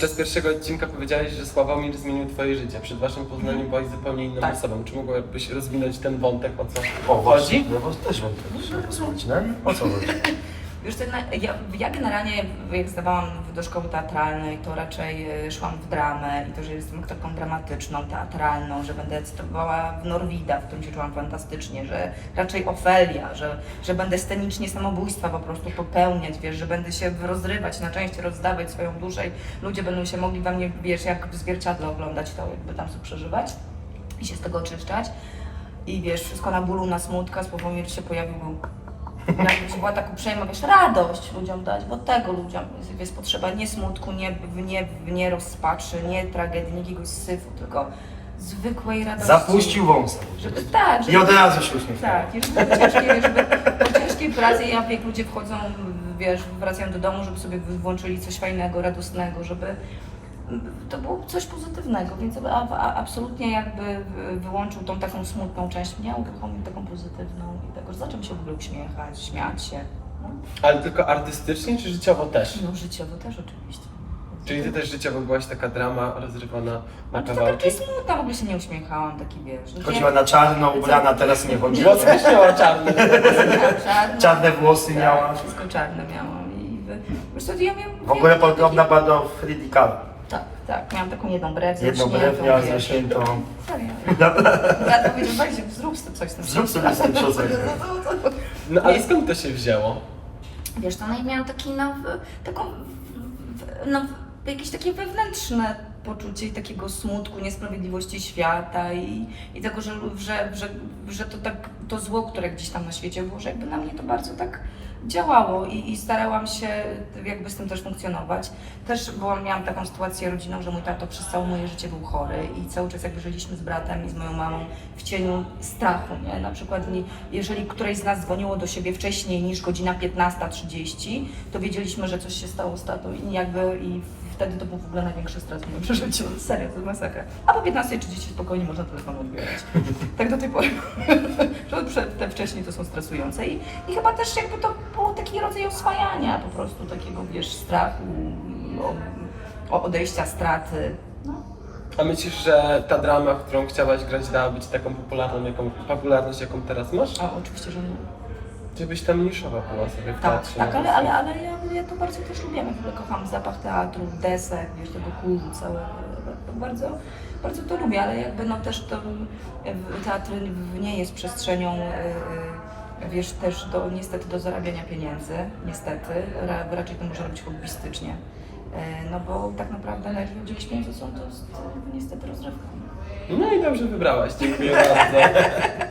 Podczas pierwszego odcinka powiedziałeś, że Sławomir zmienił twoje życie. Przed waszym poznaniem byłaś zupełnie inną Tak. osobą. Czy mogłabyś rozwinąć ten wątek, o co O, właśnie, chodzi? no bo też bym to posłuchać, nie? O co chodzi? Wiesz, co, ja generalnie jak zdawałam do szkoły teatralnej, to raczej szłam w dramę i to, że jestem aktorką dramatyczną, teatralną, że będę cytowała w Norwida, w którym się czułam fantastycznie, że raczej Ofelia, że będę scenicznie samobójstwa po prostu popełniać, wiesz, że będę się rozrywać na części, rozdawać swoją duszę i ludzie będą się mogli we mnie, wiesz, jak w zwierciadle oglądać to, jakby tam sobie przeżywać i się z tego oczyszczać. I wiesz, wszystko na bólu, na smutka, Sławomir się pojawił, był jakby była tak uprzejma, wiesz, radość ludziom dać, bo tego ludziom jest potrzeba, nie smutku, nie rozpaczy, nie tragedii, nie jakiegoś syfu, tylko zwykłej radości. Zapuścił wąsa. Żeby, tak, I od razu się uśmiechnął. tak, i żeby po ciężkiej pracy, jak ludzie wchodzą, wiesz, wracają do domu, żeby sobie włączyli coś fajnego, radosnego, żeby to było coś pozytywnego, więc absolutnie jakby wyłączył tą taką smutną część mnie, uruchomił taką pozytywną i tego, że zacząłem się w ogóle uśmiechać, śmiać się. No, Ale tylko artystycznie, czy życiowo też? no życiowo też oczywiście. Czyli ty też życiowo byłaś taka drama rozrywana na Ale to kawałki? takie smutna, w ogóle się nie uśmiechałam, taki wiesz. Chodziła na czarno, ubrana, teraz nie chodzi. Włosy też miała czarne. Czarne włosy miała. Tak, wszystko czarne miałam i wiesz co, ja miałam... W ogóle podobna była do Fridi Kahlo. Tak, miałam taką jedną brew Jedną brew miała wiesz. zaśniętą. Serio. Ja powiedział, weź, zrób coś z tym. Zrób sobie z tym coś. No ale skąd to się wzięło? Wiesz, to ja miałam taki, jakieś takie wewnętrzne poczucie takiego smutku, niesprawiedliwości świata i tego, że to tak, to zło, które gdzieś tam na świecie było, że jakby na mnie to bardzo tak działało i starałam się jakby z tym też funkcjonować. Też miałam taką sytuację rodzinną, że mój tato przez całe moje życie był chory i cały czas jakby żyliśmy z bratem i z moją mamą w cieniu strachu, nie? Na przykład jeżeli któreś z nas dzwoniło do siebie wcześniej niż godzina 15:30, to wiedzieliśmy, że coś się stało z tatą i wtedy to był w ogóle największy stres w moim przeżyciu. Serio, to jest masakra. A po 15:30 spokojnie można telefon odbierać. Tak do tej pory. Te wcześniej to są stresujące i chyba też jakby to był taki rodzaj oswajania po prostu takiego, wiesz, strachu, odejścia, straty. No. A myślisz, że ta drama, w którą chciałaś grać, dała być taką popularność, jaką teraz masz? A oczywiście, że nie. Czy byś tam niszowa była sobie w Tak, teatrze? tak, ale ja to bardzo też lubię. Ja w ogóle kocham zapach teatru, desek, wiesz, tego kurzu całego. Bardzo, bardzo to lubię, ale jakby no też to teatr nie jest przestrzenią, wiesz, też niestety do zarabiania pieniędzy, niestety. Raczej to można robić hobbystycznie. No bo tak naprawdę najważniejsze pieniądze są to niestety rozrywka. No i dobrze wybrałaś, dziękuję bardzo.